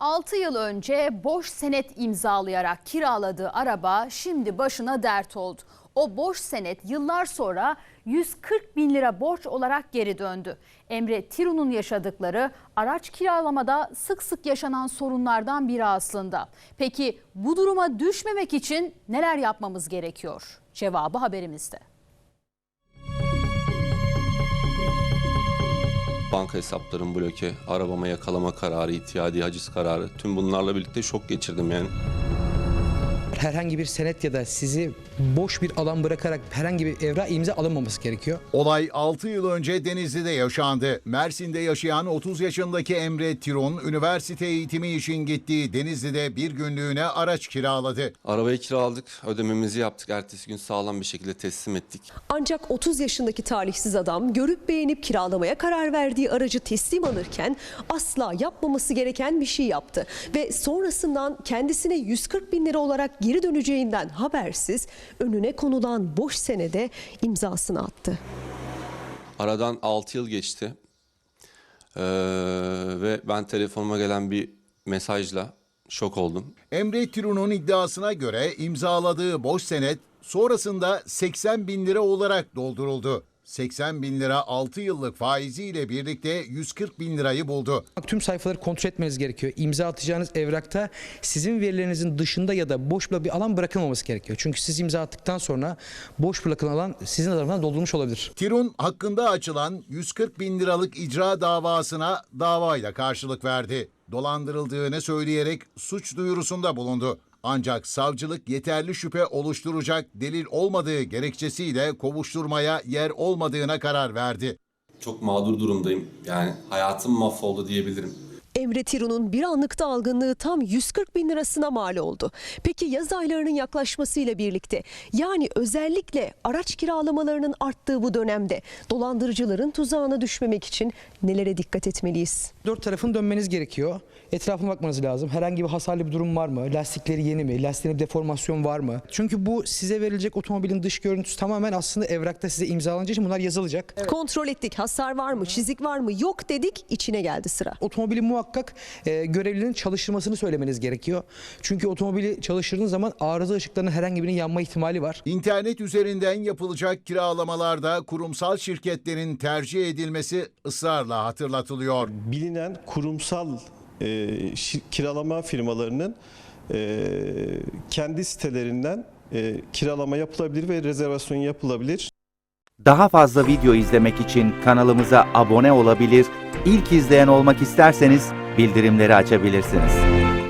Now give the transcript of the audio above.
6 yıl önce boş senet imzalayarak kiraladığı araba şimdi başına dert oldu. O boş senet yıllar sonra 140 bin lira borç olarak geri döndü. Emre Tiru'nun yaşadıkları araç kiralamada sık sık yaşanan sorunlardan biri aslında. Peki bu duruma düşmemek için neler yapmamız gerekiyor? Cevabı haberimizde. Banka hesaplarım bloke, arabama yakalama kararı, ihtiyadi haciz kararı, tüm bunlarla birlikte şok geçirdim yani. Herhangi bir senet ya da sizi boş bir alan bırakarak herhangi bir evrak imza alınmaması gerekiyor. Olay 6 yıl önce Denizli'de yaşandı. Mersin'de yaşayan 30 yaşındaki Emre Tirun, üniversite eğitimi için gittiği Denizli'de bir günlüğüne araç kiraladı. Arabayı kiraladık, ödememizi yaptık, ertesi gün sağlam bir şekilde teslim ettik. Ancak 30 yaşındaki talihsiz adam görüp beğenip kiralamaya karar verdiği aracı teslim alırken asla yapmaması gereken bir şey yaptı. Ve sonrasından kendisine 140 bin lira olarak geri döneceğinden habersiz önüne konulan boş senede imzasını attı. Aradan 6 yıl geçti ve ben telefonuma gelen bir mesajla şok oldum. Emre Tirun'un iddiasına göre imzaladığı boş senet sonrasında 80 bin lira olarak dolduruldu. 80 bin lira 6 yıllık faiziyle birlikte 140 bin lirayı buldu. Tüm sayfaları kontrol etmeniz gerekiyor. İmza atacağınız evrakta sizin verilerinizin dışında ya da boş bir alan bırakılmaması gerekiyor. Çünkü siz imza attıktan sonra boş bırakılan alan sizin tarafından doldurulmuş olabilir. Tirun hakkında açılan 140 bin liralık icra davasına davayla karşılık verdi. Dolandırıldığını söyleyerek suç duyurusunda bulundu. Ancak savcılık yeterli şüphe oluşturacak delil olmadığı gerekçesiyle kovuşturmaya yer olmadığına karar verdi. Çok mağdur durumdayım, yani hayatım mahvoldu diyebilirim. Emre Tiru'nun bir anlıkta algınlığı tam 140 bin lirasına mal oldu. Peki yaz aylarının yaklaşmasıyla birlikte, yani özellikle araç kiralamalarının arttığı bu dönemde dolandırıcıların tuzağına düşmemek için nelere dikkat etmeliyiz? Dört tarafın dönmeniz gerekiyor. Etrafına bakmanız lazım. Herhangi bir hasarlı bir durum var mı? Lastikleri yeni mi? Lastiklerinde bir deformasyon var mı? Çünkü bu size verilecek otomobilin dış görüntüsü tamamen aslında evrakta size imzalanacağı için bunlar yazılacak. Evet. Kontrol ettik. Hasar var mı? Çizik var mı? Yok dedik. İçine geldi sıra. Otomobili muhakkak görevlinin çalıştırmasını söylemeniz gerekiyor. Çünkü otomobili çalıştırdığınız zaman arıza ışıklarının herhangi birinin yanma ihtimali var. İnternet üzerinden yapılacak kiralamalarda kurumsal şirketlerin tercih edilmesi ısrarla hatırlatılıyor. Bilinen kurumsal kiralama firmalarının kendi sitelerinden kiralama yapılabilir ve rezervasyon yapılabilir. Daha fazla video izlemek için kanalımıza abone olabilir, ilk izleyen olmak isterseniz bildirimleri açabilirsiniz.